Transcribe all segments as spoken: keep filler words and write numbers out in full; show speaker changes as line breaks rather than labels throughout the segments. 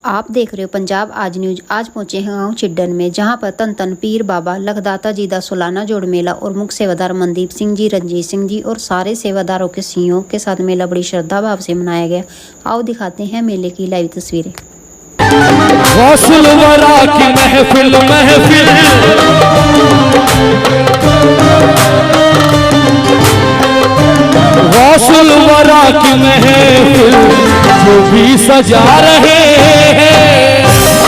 आप देख रहे हो पंजाब आज न्यूज। आज पहुंचे हैं गांव छिड्डन में, जहां पर तन तन पीर बाबा लखदाता जी का सोलाना जोड़ मेला और मुख्य सेवादार मनदीप सिंह जी, रंजीत सिंह जी और सारे सेवादारों के सीओ के साथ मेला बड़ी श्रद्धा भाव से मनाया गया। आओ दिखाते हैं मेले की लाइव तस्वीरें।
की महफिल महफिल गौसल वरा की महफिल जो भी सजा रहे हैं।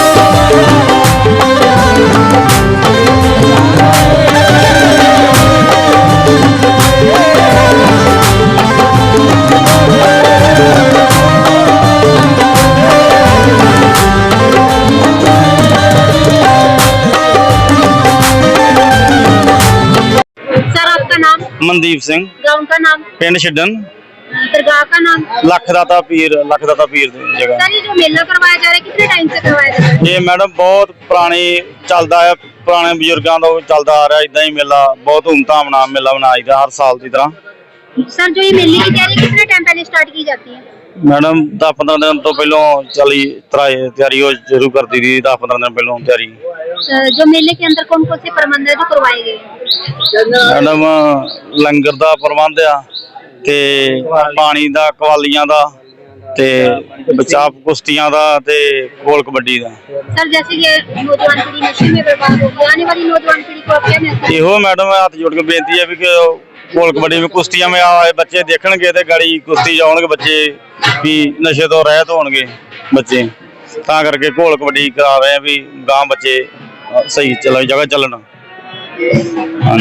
मनदीप सिंह।
गांव का नाम?
पिंड छिड्डन।
दरगाह का नाम?
लखदाता पीर लखदाता पीर जगह।
सर, ये जो मेला करवाया जा रहा है कितने टाइम से करवाया जा रहा है?
ये मैडम बहुत पुरानी चलता है, पुराने बुजुर्गों का चलता आ रहा है। इदा ही मेला बहुत धूमधाम नाम मेला मनाया हर साल की तरह।
सर, जो ये मेले की तैयारी कितने टाइम पहले स्टार्ट की जाती है?
मैडम दस पंद्रह दिन तो पहलों चली तैयारी हो शुरू कर दी थी। दस पंद्रह दिन पहलों तैयारी।
जो मेले के अंदर कौन कौन से प्रबंध है जो करवाए गए?
मैडम लंगर का प्रबंध आ, ते पानी दा, कवालियां दा, ते बचाव कुश्तियां दा, ते गोल कबड्डी दा।
सर, जैसे ये नौजवान पीढ़ी नशे में बर्बाद हो गई, आने वाली नौजवान पीढ़ी को क्या मैसेज?
इहो मैडम हाथ जोड़ के बेनती है भी कि गोल कबड्डी में कुश्तियां में आए बच्चे देखणगे ते गाड़ी कुश्ती जाउणगे बच्चे भी नशे तो रहत होणगे बच्चे। तां करके गोल कबड्डी करा रहे हैं भी गांव बच्चे सही चल जगह चलन।
हाँ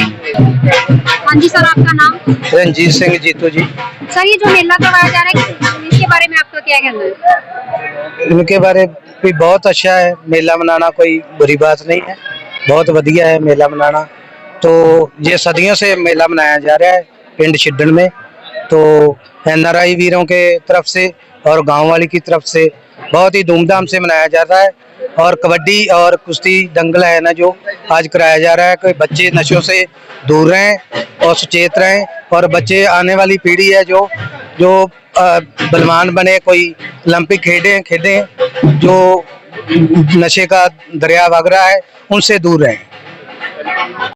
जी सर, आपका नाम?
रंजीत सिंह जीतू जी।
सर, ये जो मेला करवाया जा रहा है इसके बारे में आपका क्या कहना है?
इनके बारे भी बहुत अच्छा है। मेला मनाना कोई बुरी बात नहीं है, बहुत बढ़िया है मेला मनाना। तो ये सदियों से मेला मनाया जा रहा है पिंड छिड्डन में। तो एन आर आई वीरों के तरफ से और गांव वाली की तरफ से बहुत ही धूमधाम से मनाया जाता है। और कबड्डी और कुश्ती दंगल है ना जो आज कराया जा रहा है कि बच्चे नशों से दूर रहें और सचेत रहें। और बच्चे आने वाली पीढ़ी है जो जो बलवान बने, कोई ओलंपिक खेलें खेलें जो नशे का दरिया वग रहा है उनसे दूर रहें।